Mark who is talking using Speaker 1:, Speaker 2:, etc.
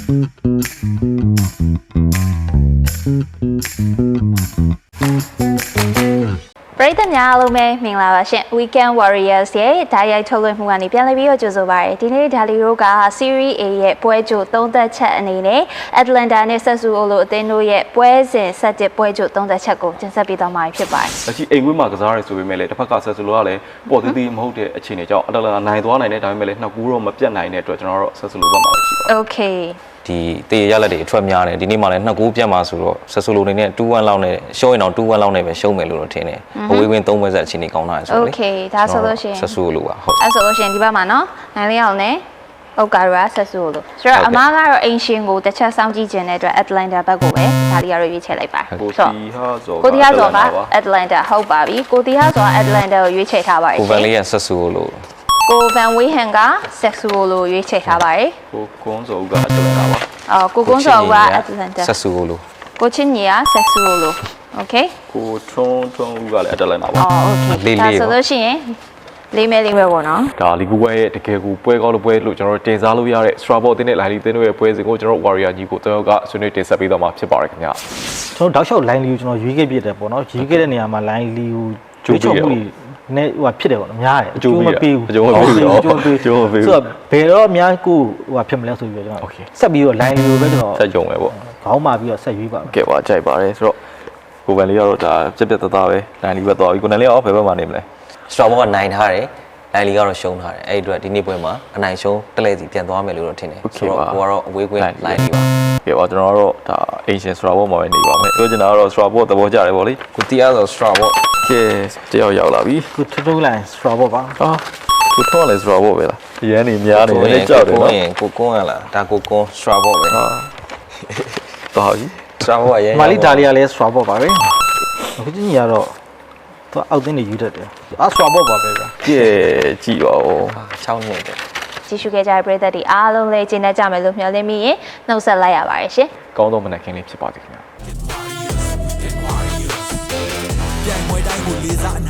Speaker 1: ပရိသတ်များအားလုံးပဲမင်္ဂလာပါရှင် Weekend Warriors ရဲ့ဓာတ်ရိုက်ထုတ်လွှင့်မှုကနေပြန်လည်ပြီးတော့ကြိုဆိုပါရစေဒီနေ့ဒါလီတို့က Series A ရဲ့ပွဲကြိုသုံးသက်ချက်အနေနဲ့ Atlanta နဲ့ Sassuolo အသင်းတို့ရဲ့ပွဲစဉ်ဆက်တစ်ပွဲကြိုသုံးသက်ချက်ကိုတင်ဆက်ပေးသွားမှာဖြစ်ပါတယ်
Speaker 2: ။အခုအိမ်ကွင်းမှာကစားရဲဆိုပေမဲ့လည်းတစ်ဖက်က Sassuolo ကလည်းပေါ်သေးသေးမဟုတ်တဲ့အခြေအနေကြောင့် Atlanta နိုင်သွားနိုင်တဲ့ဒါပေမဲ့လည်းနှစ်ကူတော့မပြတ်နိုင်တဲ့အတွက်ကျွန်တော်တို့ Sassuolo ဘက်မှာရှိပါတယ်။
Speaker 1: Okay
Speaker 3: ဒီတေးရလက်တွေအထွက်များတယ်ဒီနေ့မှလည်း2ဂိုးပြတ်မှာဆိုတော့ဆက်ဆိုလိုနေနဲ့2-1လောက်နဲ့ရှုံးရင်တော့2-1လောက်နဲ့ပဲရှုံးမယ်လို့တော့ထင်တယ်အဝေးဝင်း3ပွဲဆက်အခြေအနေကောင်းတာဆိုတော့လေ
Speaker 1: Okay ဒါဆိုလို့ရှိရင်
Speaker 3: ဆက်ဆိုလိုပါဟုတ်
Speaker 1: အဲ့ဆိုလို့ရှိရင်ဒီဘက်မှာနော်နိုင်လေးအောင်နဲ့ဟုတ်ကာရာဆက်ဆိုလို့ဆိုတော့အမားကတော့အင်ရှင်ကိုတစ်ချက်စောင့်ကြည့်ခြင်းတဲ့အတွက် Atlanta ဘက်ကိုပဲဒါလီကတော့ရွေးချယ်လိုက်ပါ
Speaker 2: ကိုတီဟာဆို
Speaker 1: ကိုတီဟာဆိုက Atlanta ဟုတ်ပါပြီကိုတီဟာဆို Atlanta ကိုရွေးချယ်ထားပါတယ်
Speaker 3: ကိုဗန်လေးကဆက်ဆိုလို့
Speaker 1: ကိုဗန်ဝေးဟန်က Sassuolo ရွေးချယ်ထားပါတယ်
Speaker 2: ကိုကွန်းစောက Atlanta ပါ
Speaker 1: ကိုကွန်းစောက Atlanta
Speaker 3: ဆက်ဆိုလို့
Speaker 1: ကိုချင်းညီက Sassuolo Okay
Speaker 2: ကိုထွန်းဦးကလည်း Atlanta ပါ
Speaker 1: Okay ဒါဆိုလို့ရှိရင်လေးမဲပေါ့နော်
Speaker 2: ဒါလီဂူပွဲရဲ့တကယ်ကိုပွဲကောင်းလို့ပွဲလို့ကျွန်တော်တို့တင်စားလို့ရတဲ့ Strasbourg အသင်းနဲ့ Lille အသင်းတို့ရဲ့ပွဲစဉ်ကိုကျွန်တော်တို့ Warrior ကြီးကိုတယောက်ကဆွေးနွေးတင်ဆက်ပေးသွားမှာဖြစ်ပါတယ်ခင်ဗျာ
Speaker 4: ကျွန်တော်တောက်လျှောက် line လီကိုကျွန်တော်ရွေးခဲ့ပြတယ်ပေါ့နော်ရွေးခဲ့တဲ့နေရာမှာ line လီကိုကြိုးချမှုနဲ့ဟိုဖြစ်တယ်ပေါ့နော်များတယ်
Speaker 2: အကျိုးမပေးဘူး
Speaker 4: အကျိုးမပေးဘူးဆိုတော့ဘယ်တော့အများကိုဟိုဖြစ်မလဲဆိုပြီးတော့ကျွန်တော်ဆက်ပြီးတော့ line လီကိုပဲကျွန်တော်
Speaker 2: ဆက်ကြုံပဲပေါ့
Speaker 4: ခေါင်းမာပြီးတော့ဆက်ရွေးပါမယ်
Speaker 2: ကဲပါကြိုက်ပါတယ်ဆိုတော့ကိုဗန်လေးကတော့ဒါပြက်ပြက်သားသားပဲ line လီပဲသွားပြီကိုနန်လေးရောဘယ်ဘက်မှာနေမလဲ
Speaker 3: Strasbourg ကနိုင်ထားတယ်လိုင်လီကတော့ရှုံးထားတယ်အဲ့ဒီအတွက်ဒီနေ့ပွဲမှာအနိုင်ရှုံးတလဲစီပြန်သွားမယ်လို့တော့ထင်တယ်ဆိုတော့ဟိုကတော့အဝေးကွင်းလိုင်လီပါ
Speaker 2: ကဲပါကျွန်တော်တို့ဒါ Asian Strasbourg မှာပဲနေပါမယ်ပြောချင်တာကတော့ Strasbourg သဘောကျတယ်ဗောလေ
Speaker 3: ကိုတီးအားဆို Strasbourg
Speaker 2: ကဲတယောက်ရောက်လာပြီ
Speaker 4: ကိုထိုးလိုက် Strasbourg ပါ
Speaker 2: ဟာကိုထွန်းလည်း Strasbourg ပဲလားရန်နေများနေတယ်ကြောက်တယ်နော်
Speaker 3: ကိုကွန်းရလားဒါကိုကွန်း Strasbourg ပဲ
Speaker 2: ဟာတော်ပြီ
Speaker 3: Strasbourg ရဲ့
Speaker 4: မာလီဒါလီယာလည်း Strasbourg ပါပဲအခုကြီးကတော့သူအောက်သင်းတွေယူတတ်တယ်Strasbourg ပါပဲဗျာ
Speaker 2: ကြည့်ကြည့်ပါဦး
Speaker 3: 6နှစ်တယ်
Speaker 1: ကြည့်ရှုခဲ့ကြတဲ့ပရိသတ်တွေအားလုံးလည်းကျေနပ်ကြမယ်လို့မျှော်လင့်မိရင်နှုတ်ဆက်လိုက်ရပါတယ်ရှင်
Speaker 2: ကောင်းသောမနက်ခင်းလေးဖြစ်ပါစေခင်ဗျာ